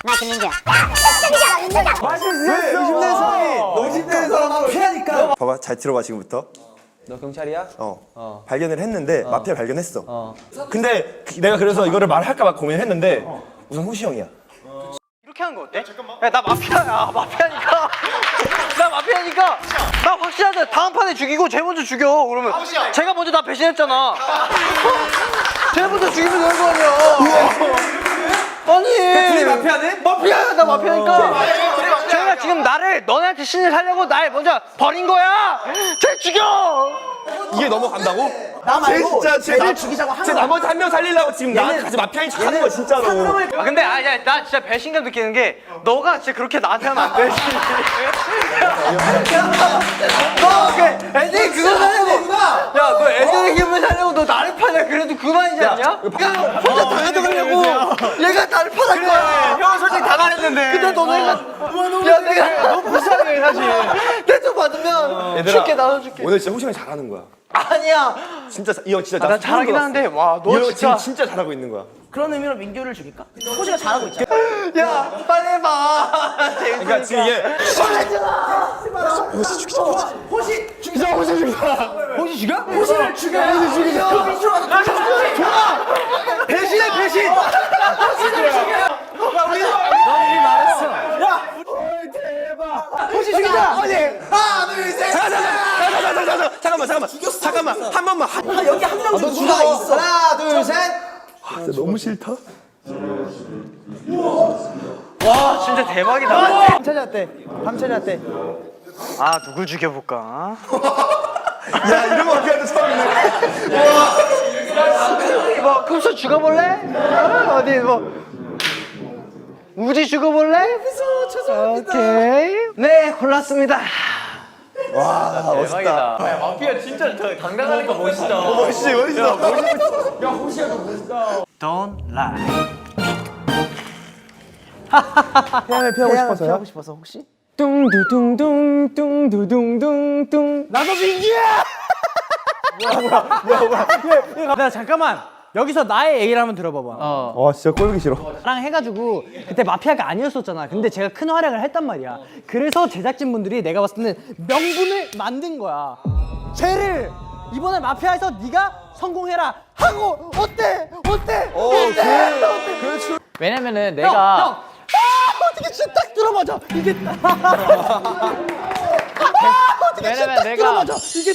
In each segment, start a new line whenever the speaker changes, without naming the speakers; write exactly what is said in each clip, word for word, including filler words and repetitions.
나 김민규야.
이십 대 사람이 오십 대 사람하고 피하니까.
봐봐, 잘 들어봐 지금부터.
너 경찰이야?
어.
어.
발견을 했는데 마피아 발견했어.
어.
근데 내가 그래서 이거를 말할까 봐 고민했는데 우선 호시 형이야.
이렇게 하는 거 어때? 야, 나 마피아야. 마피아니까. 나 마피아니까. 나 확실하다. 다음 판에 죽이고 쟤 먼저 죽여. 그러면 제가 먼저 나 배신했잖아. 쟤 먼저 죽이면 되는 거 아니야. 아니.
둘이 마피아네?
마피아야. 나 마피아니까. 쟤가 지금 나를 너네한테 신을 살려고 날 먼저 버린 거야. 쟤 죽여.
이게 넘어간다고?
나 말고
진짜 쟤
쟤를
나-
죽이자고 하는
쟤
거야.
나머지 한 명 살리려고 지금 나한테 같이 마피아인 척 하는 거야 진짜로.
아 근데 아, 야, 나 진짜 배신감 느끼는 게 너가 진짜 그렇게 나한테 하면 안 되지. 너 그 애들이 그거 살려고 야너 애들의 기분을 살려고 너 나를 파냐. 그래도 그만이지 않냐? 야 혼자 다 가져가려고 얘가 나를 파는 거야. 형은 솔직히 다 말했는데 근데 너는 야 내가 너무 불쌍해 사실. 내 돈 받으면 줄게 나눠줄게.
오늘 진짜 호시 형이 잘하는 거야.
아니야.
진짜 이 형 진짜
아, 난 잘하긴 하는데 와 너
너
진짜
지금 진짜 잘하고 있는 거야.
그런 의미로 민규를 죽일까? 호시가 잘하고 있잖아.
야 빨리 해봐.
그러니까 지금 이게
호시 죽이자. 호시 죽여. 호시 죽여? 호시를 죽여. 호시 죽이자.
좋아. 배신해 배신.
호시 죽이자.
아니 하나 둘 셋. 잠깐만 잠깐만 잠깐만 죽였어. 잠깐만 한 번만. 한...
여기 한 명 좀 누가 있어. 하나 둘 셋.
진짜 너무 싫다.
와 진짜 대박이다.
밤 찾았대. 밤 찾았대.
아 누굴 죽여볼까?
야 이런 거 어떻게 하는데 처음이네.
뭐 급수 죽어볼래? 어, 어디 뭐 우지 죽어볼래? 무서워 죄송합니다. 오케이 네 골랐습니다.
와 멋있다.
마피아 진짜 당당하니까 멋있다.
멋있지 멋있어.
Don't lie.
태양을 피하고 싶어서요? 피하고 싶어서 혹시?
뚱두둥둥 뚱두둥둥
나도 민규야!
나 잠깐만 여기서 나의 얘기를 한번 들어봐봐.
어.
와 진짜 꼴보기 싫어.
나랑 해가지고 그때 마피아가 아니었었잖아. 근데 제가 큰 활약을 했단 말이야. 그래서 제작진분들이 내가 봤을 때는 명분을 만든 거야. 쟤를 이번에 마피아에서 네가 성공해라 하고 어때? 어때? 어때? 어때?
왜냐면은
형, 형. 아, 어떻게 진짜 딱 들어맞아. 이게 딱. 아, 어떻게 진짜 딱 들어맞아. 이게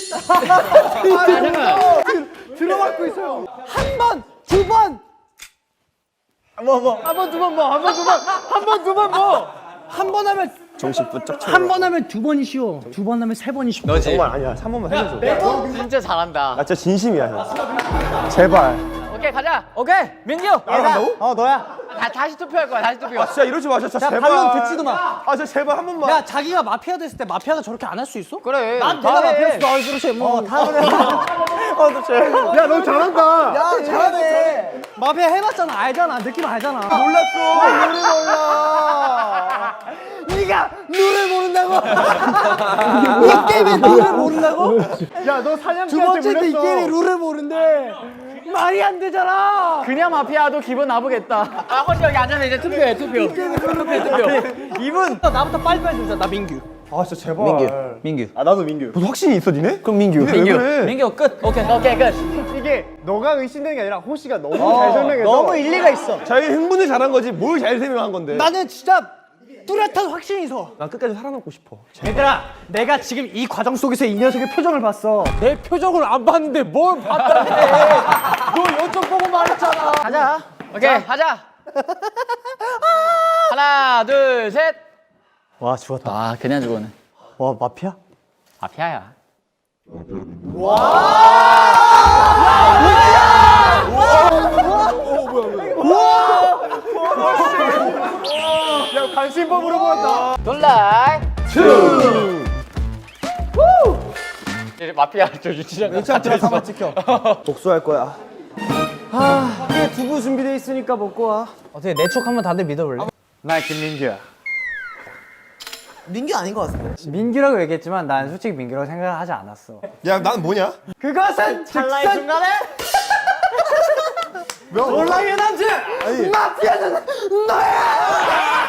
딱. 들어맞고 있어요. 한 번, 두 번. 뭐 뭐. 한 번, 두 번 뭐. 한 번, 두 번. 한 번, 두 번 뭐. 한 번 하면
정신 부쩍 차려.
한 번 하면 두 번이 쉬워. 두 번 하면 세 번이 쉬워.
정말 아니야. 한 번만 해줘.
진짜 잘한다.
나 진짜 진심이야 형. 제발.
오케이 가자.
오케이, 민규.
나간다고?
어, 너야.
다, 다시 투표할 거야. 다시 투표.
아 진짜 이러지 마. 진짜
자,
제발.
반론 듣지도 마.
아 진짜 제발 한 번만.
야, 자기가 마피아 됐을 때 마피아가 저렇게 안 할 수 있어?
그래.
난
다
내가
해.
마피아였어. 아, 그렇지. 뭐 다 그래.
야 너 잘한다.
야, 잘하네. 마피아 해봤잖아. 알잖아. 느낌 알잖아.
몰랐어.
노래 몰라. 네가 노래 모른다고? 이 게임에 룰을 모른다고?
야너 사냥개한테
두 번째인데 이 게임에 룰을 모른대. 말이 안 되잖아.
그냥 마피아도 기분 나쁘겠다. 아 혼자 여기 앉아서 이제 투표해 투표. 투표 투표.
이분 나부터 빨리빨리 주자. 나 민규.
아 진짜 제발. 민규.
민규.
아 나도 민규. 무슨 확신이 있어 니네?
그럼 민규.
니네 왜 그래?
민규 끝. 오케이.
오케이 끝.
이게 너가 의심되는 게 아니라 호시가 너무
어,
잘 설명해서
너무 일리가 있어.
자기 흥분을 잘한 거지 뭘 잘 설명한 건데.
나는 진짜 뚜렷한 확신이 있어.
난 끝까지 살아남고 싶어.
얘들아, 내가 지금 이 과정 속에서 이 녀석의 표정을 봤어. 내 표정을 안 봤는데 뭘 봤다네. 너 연점 보고 말했잖아.
가자. 오케이 가자. 하나 둘 셋.
와, 죽었다.
아 그냥 죽어네.
와, 마피아?
마피아야.
야 관심법으로 보였다.
놀라이. 이제 마피아 저 유치장.
유치원 들어서 한번 찍혀.
복수할 거야.
아, 이게 두부 준비돼 있으니까 먹고 와. 어떻게 내 촉 한번 다들 믿어볼래?
나 김민규야.
민규 아닌 것 같은데.
민규라고 얘기했지만 난 솔직히 민규라고 생각하지 않았어.
야 난 뭐냐?
그것은
찰나의
즉선
순간에
놀라의 남자 마피아는 너야.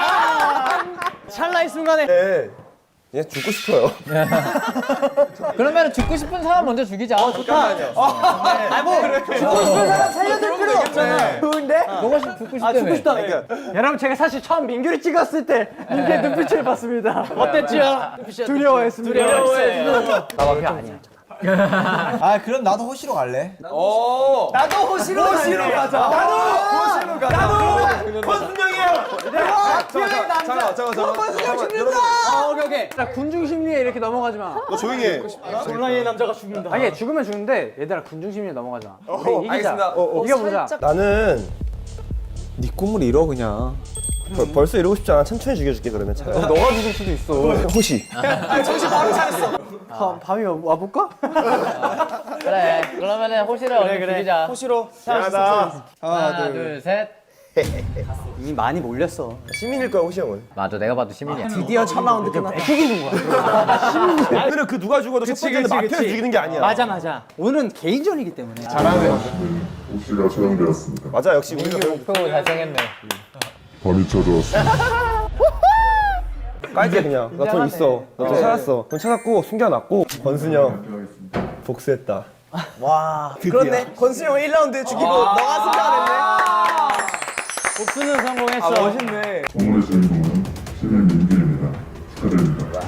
이 순간에.
네. 얘 죽고 싶어요.
그러면 죽고 싶은 사람 먼저 죽이자. 어, 좋다.
아니 뭐 죽고 싶은 사람 살려줄 필요 없잖아. 좋은데?
너가 죽고 싶다며.
아 죽고 싶다. 여러분 제가 사실 처음 민규를 찍었을 때 민규의 눈빛을 봤습니다. 어땠지요? 두려워했습니다.
두려워했어. 나 마피아 아니야.
아 그럼 나도 호시로 갈래.
오.
나도 호시로 호시로 가자.
나도 호시로 가자. 나도 권순영이에요.
피아의 남자.
잠깐 잠깐 잠깐.
권순영 죽는다. 아 오케이 오케이. 나 군중 심리에 이렇게 넘어가지 마.
너 조용히 해.
온라인의 남자가 죽는다. 아니 죽으면 죽는데 얘들아 군중 심리에 넘어가지 마. 우리 이기자.
알겠습니다. 어, 어.
이겨보자.
나는 네 꿈을 이뤄 그냥. 벌, 벌써 이러고 싶지 않아. 천천히 죽여줄게 그러면 차라리.
너가 죽을 수도 있어.
호시.
밤, 밤이 와볼까?
그래. 그러면은 호시를 얼른 죽이자.
호시로.
미안하다.
하나, 둘, 셋.
이미 많이 몰렸어.
시민일 거야 호시 형은.
맞아, 내가 봐도 시민이야.
드디어 첫 라운드 끝났다. 죽이는 거야.
오늘은 그 누가 죽어도 첫 번째는 마피아 죽이는 게 아니야.
맞아 맞아. 오늘은 개인전이기 때문에.
옥시가 처형되었습니다.
맞아 역시 우리가
목표 달성했네.
밤이 찾아왔습니다.
깔게 그냥. 나 돈 있어. 나 돈 찾았어. 돈 찾았고 숨겨놨고 권순영 복수했다.
와.
그렇네. 권순영 일 라운드 죽이고 너가 승자가
복수는 성공했어. 아 멋있네.
오늘의 주인공은 시민 민규입니다. 축하드립니다.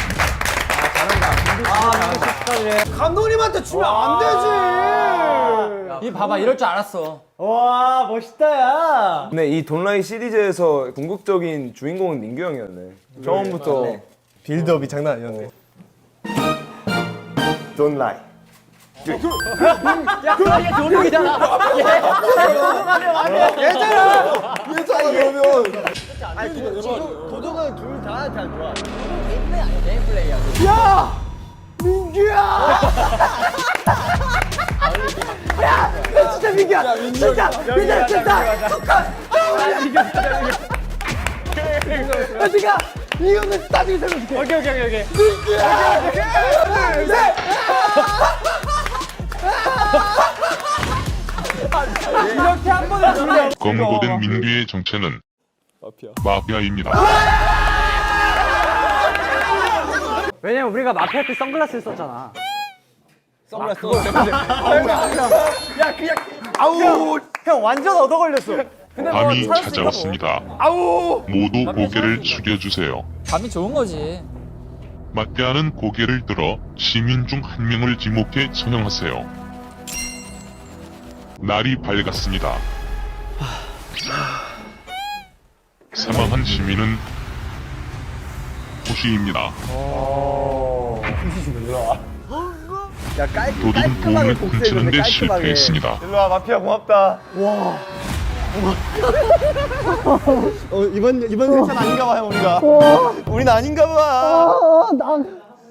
됐네. 감독님한테 주면 안 되지.
이 봐봐, 이럴 줄 알았어.
와 멋있다 야.
근데 이 돈라이 시리즈에서 궁극적인 주인공은 민규 형이었네. 처음부터 빌드업이 장난 아니었네. 돈라이.
야 그거 얘 도둑이잖아.
얘잖아. 얘잖아 그러면.
도둑은 둘 다 잘 좋아.
게임 플레이야.
야 민규야. 야 진짜 민규야. 진짜 민규야 진짜. 축하. 민규 진짜 민규. 야 지가 이거는 나중에 설명줄게. 오케이 오케이 오케이. 민규야. 오케이. 셋. 이렇게 한 번에 주면
검거된 민규의 정체는 마피아입니다.
왜냐면 우리가 마피아 때 선글라스를 썼잖아.
선글라스.
야 그냥 아우 형 완전 얻어 걸렸어. 근데 뭐
밤이
찾을 수
찾아왔습니다.
아우
모두 고개를 숙여주세요.
밤이 좋은 거지.
마피아는 고개를 들어 시민 중 한 명을 지목해 처형하세요. 날이 밝았습니다. 사망한 시민은 호시입니다. 도둑은 보험을 훔치는데 실패했습니다.
일로와 마피아 고맙다.
어 이번 이번 회차는 아닌가 봐요 우리가. 우린 아닌가 봐.
아, 난